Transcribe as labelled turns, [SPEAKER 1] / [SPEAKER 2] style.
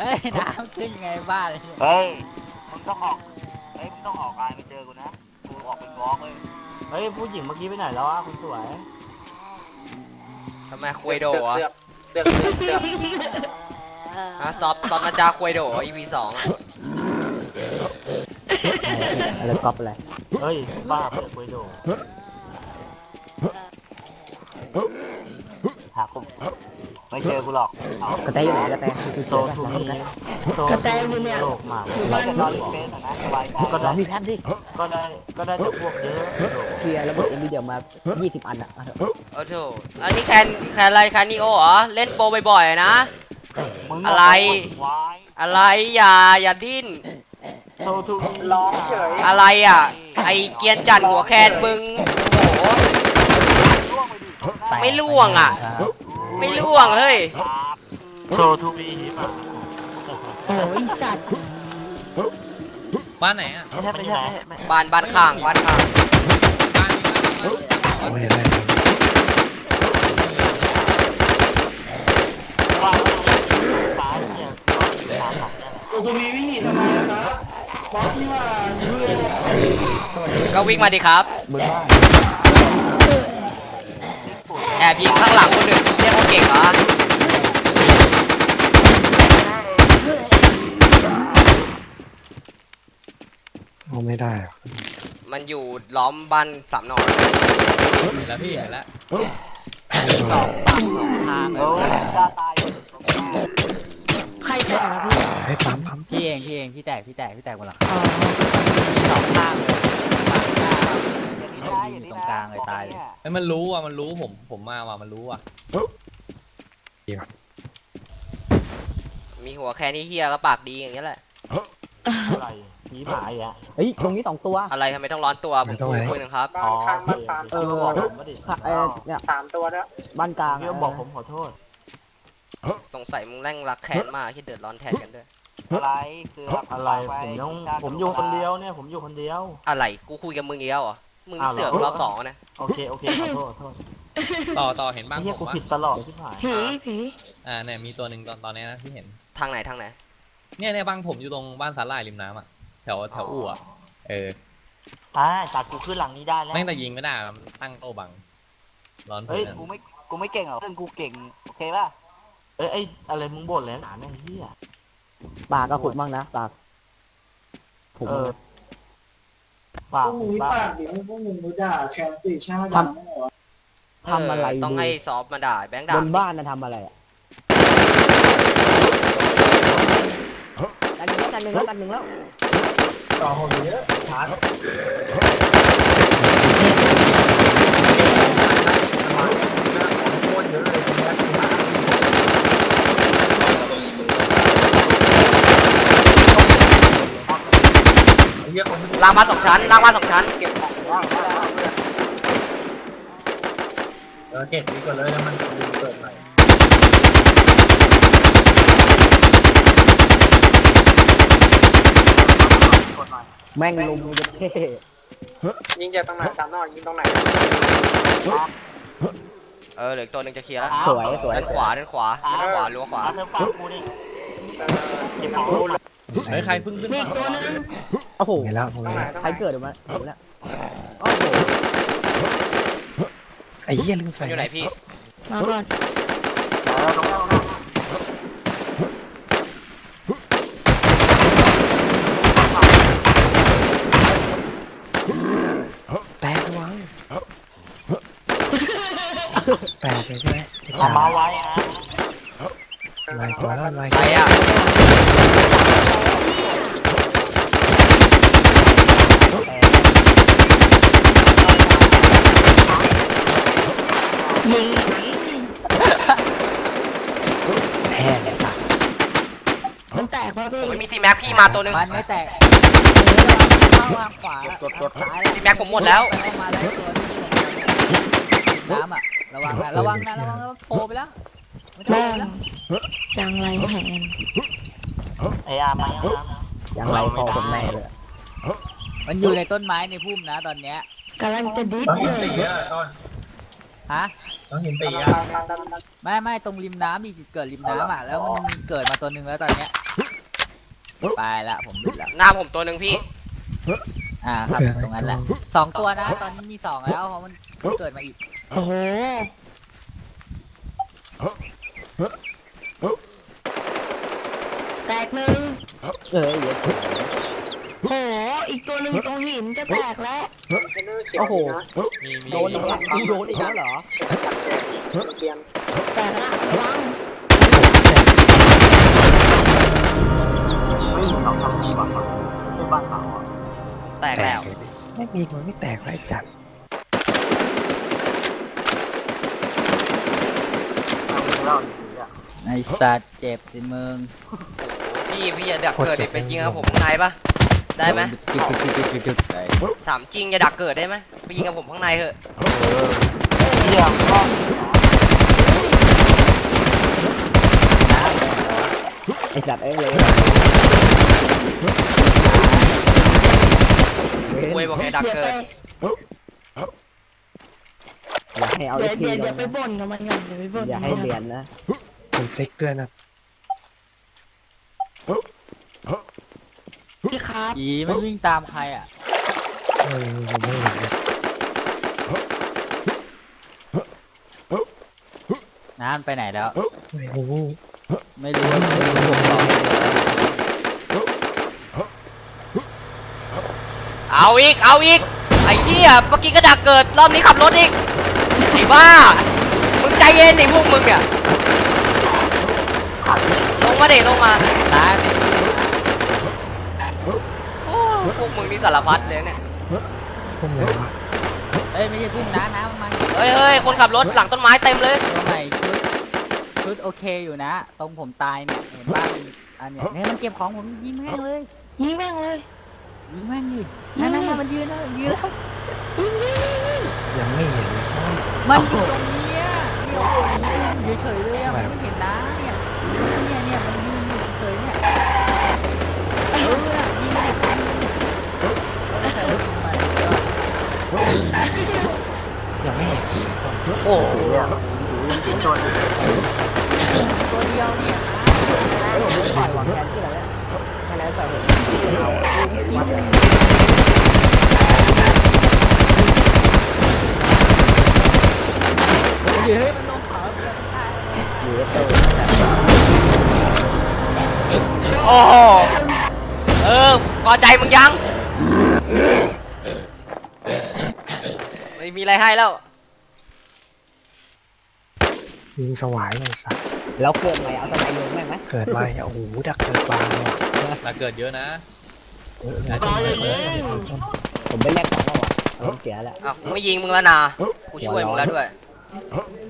[SPEAKER 1] ฮ้ยน้ำขึ้นไงบ้าเลย
[SPEAKER 2] เฮ้ยมึงต้องออกมึงต้องออกงานไปเจอกูนะกูออกเป็นวอล์กเลยเฮ้ยผู้หญิงเมื่อกี้ไปไหนแล้วอ่ะคุณสวย
[SPEAKER 3] ทำไมคุยโดอ่ะ
[SPEAKER 4] เสือก
[SPEAKER 3] ฮะซอฟนาจาคุยโด EP 2อ่ะ
[SPEAKER 1] อะไรก๊อปอะไร
[SPEAKER 2] เฮ้ยบ้าเพื่อนคุยโดหากูไม่เจอกูหรอก
[SPEAKER 1] กระแตอยู่ไหนกระแต
[SPEAKER 2] โซทูมีกระแตอยู่เนี่ยโลกมากเราจะนอนเฟสนะสบายใจก็ได้
[SPEAKER 1] มีแพทดิ
[SPEAKER 2] ก็ได้แต่พวกเยอะ
[SPEAKER 1] เคลียร์ระบบเอ็นวีเดียมา20 อันอ่ะ
[SPEAKER 3] โอ้โหอันนี้แคนอะไรแคนนิโอเหรอเล่นโปรบ่อยๆนะอะไรอย่าดิ้น
[SPEAKER 4] ร้องเฉย
[SPEAKER 3] อะไรอ่ะไอเกียนจัดหัวแคนมึงโอ้โหไม่ล่วงอ่ะไม่ล่วงเฮ้ย
[SPEAKER 2] โซทูบี
[SPEAKER 1] โอ้ยสัตว์
[SPEAKER 5] บ้านไหนอ่ะ
[SPEAKER 2] ไม่ใช่
[SPEAKER 3] บ้านข้าง
[SPEAKER 5] บ้าน
[SPEAKER 6] ไม่ได้
[SPEAKER 4] ตรงนี้วิ่งหนีทำไมนะครับบอสที่ว่า
[SPEAKER 3] ก็วิ่งมาดิครับแอบยิงข้างหลังคนหนึ่งเรียกว่าเก่งเหรอ
[SPEAKER 6] ไม่ได้
[SPEAKER 3] มันอยู่ล้อมบ้านสามหน่อ
[SPEAKER 5] แล้วพี่เห็นแล้ว
[SPEAKER 1] สองทางใครแตกนะพี่
[SPEAKER 6] ให้ปั๊ม
[SPEAKER 1] พี่เองพี่แตกหมดหรอสองทางเลยอยู่ตรงกลางเลยตายเลย
[SPEAKER 5] ไอ้มันรู้อ่ะมันรู้ผมมาว่ะมันรู้อ่ะ
[SPEAKER 3] มีหัวแค่นี้เฮียก็ปากดีอย่างเงี้ยแหละ
[SPEAKER 2] อะไรผีหมายอ่ะ
[SPEAKER 1] เฮ้ยตรงนี้2 ตัว
[SPEAKER 3] อะไรทำไมต้องร้อนตัวผมคุยนะครับ
[SPEAKER 4] บ้านข้างบ้านฟาร์ม
[SPEAKER 1] เนี่ย
[SPEAKER 4] 3 ตัวแล้ว
[SPEAKER 1] บ้านกลาง
[SPEAKER 2] พี่บอกผมขอโทษ
[SPEAKER 3] สงสัยมึงแร่งรักแค้นมากที่เดือดร้อนแทนกันด้วย
[SPEAKER 2] อะไรคืออะไรผมอยู่คนเดียวเนี่ยผมอยู่คนเดียว
[SPEAKER 3] อะไรกูคุยกับมึงเดียวเหรอมึงเสือกรอบ2นะ
[SPEAKER 2] โอเคขอโทษ
[SPEAKER 5] ต่อเห็นบ้าง
[SPEAKER 2] ผมผิดตลอดที่ผ่าน
[SPEAKER 5] ผีเนี่ยมีตัวหนึ่งตอนนี้นะที่เห็น
[SPEAKER 3] ทางไหน
[SPEAKER 5] เนี่ยบ้านผมอยู่ตรงบ้านสาหร่ายริมน้ำอ่ะแถวอู่อ่ะ
[SPEAKER 2] จากกูขึ้นหลังนี้ได้แล้ว
[SPEAKER 5] แม่งแต่ยิงไม่ได้ตั้งโต้บังร้อน
[SPEAKER 2] เฮ้ยกูไม่เก่งหรอกเพื่อนกูเก่งโอเคป่ะไอ้อะไรมึงบ่นแล้วหนาเนี่ยเฮีย
[SPEAKER 1] ปากก็ขุดบ้างนะปาก
[SPEAKER 4] ผมปากเดี๋ยวพวกมึงรู้ด่าแชมป์สี่ชาติ
[SPEAKER 1] ทำอะไร
[SPEAKER 3] ต้องให้ซอฟมาด่าแบงค์ด่า
[SPEAKER 1] บนบ้านนะทำอะไรอ่ะกันหนึ่งแล้ว
[SPEAKER 4] ต่อหัวเยอะชาร์
[SPEAKER 3] ล่างมา2 ชั้น
[SPEAKER 4] เก็บของว่างเก็บดีกว่าเลยแล้วมันเปิดใหม่
[SPEAKER 1] แม่งลุมจะเท่
[SPEAKER 4] ยิงจากตรงไหน3 นอกยิงตรงไหน
[SPEAKER 3] เหลือตัวนึงจะเคลียร์แล้ว
[SPEAKER 1] สวย
[SPEAKER 3] ด้านขวารั้วขวา
[SPEAKER 5] เฮ้ยใครพึ่งขึ้นมา
[SPEAKER 1] โอ้โห
[SPEAKER 6] แล้ว
[SPEAKER 1] ใครเกิดออกมาแล้วโอ้โห
[SPEAKER 6] ไอ้เหี้ยลืมใส่
[SPEAKER 3] อยู่ไหนพี่
[SPEAKER 1] มาก่อน
[SPEAKER 6] แตกระวังแตกเลยใช่ไหม
[SPEAKER 2] มาไว้
[SPEAKER 6] ลายตัวแล้วลาย
[SPEAKER 3] ใครอ่ะ
[SPEAKER 6] แท้เลยปะ
[SPEAKER 1] มันแตกเพราะพี่
[SPEAKER 3] มีทีแม็กพี่มาตัวนึง
[SPEAKER 1] มันไม่แตกวางขวากดซ้าย
[SPEAKER 3] ทีแม็กผมหมดแล้ว
[SPEAKER 1] มาได้ตัวที่น้ำอ่ะระวังนะโผล่ไปแล้ว
[SPEAKER 7] บ้างจังไรแหน
[SPEAKER 2] ไอ้อาร์มา
[SPEAKER 1] อย่างไรพอคนแม่เลยมันอยู่ในต้นไม้ในพุ่มนะตอนเนี้ย
[SPEAKER 7] กำลังจะดิฟเลย
[SPEAKER 1] ฮะ
[SPEAKER 5] ต้องเห็นตีอ่ะ
[SPEAKER 1] ไม่ตรงริมน้ำมีจุดเกิดริมน้ำอ่ะแล้วมันเกิดมาตัวหนึ่งแล้วตอนเนี้ยไปละผมบิดละ
[SPEAKER 3] หน้าผมตัวหนึ่งพี่
[SPEAKER 1] ครับตรงนั้นแหละ2 ตัวนะตอนนี้มี2แล้วเพราะมันเกิดมาอีก
[SPEAKER 7] โอ้โห แตกหนึ่งโห อีกตัวหนึ่งตรงหินจะแตกแล้ว
[SPEAKER 4] โอ้โห
[SPEAKER 5] มี
[SPEAKER 4] โดนอีกแล้วโดนอีกแล้วเหรอ
[SPEAKER 7] แตกละระวัง
[SPEAKER 2] ไม่มีเราทำดีกว่าครับไม่บ้านเขาอ่ะ
[SPEAKER 3] แตก
[SPEAKER 6] แต
[SPEAKER 3] แล้
[SPEAKER 6] ก
[SPEAKER 3] ว
[SPEAKER 6] เลยดิไม่มีมันไม่แตกไรจัด
[SPEAKER 2] เราดีอ่ะ
[SPEAKER 1] ไอสัตว์เจ็บสิมึง
[SPEAKER 3] พี่อย่าดักเกิดดิไปยิงกับผมข้างในปะได้ไหม
[SPEAKER 1] กึกไป
[SPEAKER 3] ถามจริงอย่าดักเกิดได้ไหมไปยิงกับผมข้างในเถอะ
[SPEAKER 2] เยี่ยมก็
[SPEAKER 4] ไอสัตว์เอ้ยเลย
[SPEAKER 3] คุยบอกอย่าดัก
[SPEAKER 7] เดี๋ยว
[SPEAKER 3] เกิ
[SPEAKER 7] ไป
[SPEAKER 3] ด
[SPEAKER 4] อย่าให้เอา
[SPEAKER 7] เดี๋ยว
[SPEAKER 4] ที
[SPEAKER 7] เดี๋ยวไปบ่นกับมันก่อนเดี๋ยวไปบ่น
[SPEAKER 4] อย่าให้เรียนนะ
[SPEAKER 6] เป็นซิกด้วยนะ
[SPEAKER 7] พี่ครับ
[SPEAKER 1] อีไม่วิ่งตามใครอ่ะ
[SPEAKER 6] ผมไม่เห็นเลย
[SPEAKER 1] น้ำไปไหนแล้ว
[SPEAKER 6] ไม่รู้
[SPEAKER 1] ไม่รู้ว่าผมบอก
[SPEAKER 3] เอาอีกไอ้เหี้ยเมื่อกี้ก็ดักเกิดรอบนี้ขับรถอีกไอ้บ้ามึงใจเย็นไอ้พวกมึงเนี่ยลงมาเด็ลงมา
[SPEAKER 1] ตาย
[SPEAKER 3] โอ้พวกมึงนี่สารพัดเลยเนี่ย
[SPEAKER 6] พุ่มไหนวะ
[SPEAKER 1] เอ้ยไม่ใช่พึ่งน้ำมัน
[SPEAKER 3] เฮ้ยคนขับรถหลังต้นไม้เต็มเลย
[SPEAKER 1] ตัวใหม่ชุดโอเคอยู่นะ ตรงผมตายเนี่ยเห็นบ้างอันเนี้ยเนี่ยมันเก็บของผมยิงแม่งเลย
[SPEAKER 7] ยิงแม่งเลย
[SPEAKER 1] ยิงแม่งดินั่นมันยืนแล้ว
[SPEAKER 6] ยังไม่เห็นเลยต้น
[SPEAKER 1] มันอยู่ตรงเนี้ยเนี่ยผมยืนอยู่เฉยๆเลยอะมันไม่เห็นนะเนี่ยมันยืนอยู่เฉยๆเนี่ยน่ะยิงดิใครมันยิงมัน
[SPEAKER 6] ยังไม่เห็นเลยต้น
[SPEAKER 1] โอ้โห
[SPEAKER 2] เป็นตัวนี้
[SPEAKER 1] ตัวเดียวเนี่ย
[SPEAKER 4] ปล่อยวางแผนที่เราเนี่ยแค่นั้นแต่เห็นเราวัดเลย
[SPEAKER 1] เฮ้ยมันลงเขาเพื่อนตาย
[SPEAKER 4] อยู่แล้วเออ
[SPEAKER 3] โอ้โหพอใจมึงยังไม่มีอะไรให้แล้ว
[SPEAKER 6] ยิงสวายเลยสัตว์
[SPEAKER 4] แล้วเกิดใหม่เอาสไลด์ลงได้ไหม
[SPEAKER 6] เกิดมาโอ้โหดักเกิดบางเลยว่ะ
[SPEAKER 5] มาเกิดเยอะนะ
[SPEAKER 6] นะต้นเลย
[SPEAKER 4] ผมไปแลกของแล้วอ่ะผมเสียแล้ว
[SPEAKER 3] อ้าวกูไม่ยิงมึงแล้วนะกูช่วยมึงแล้วด้วย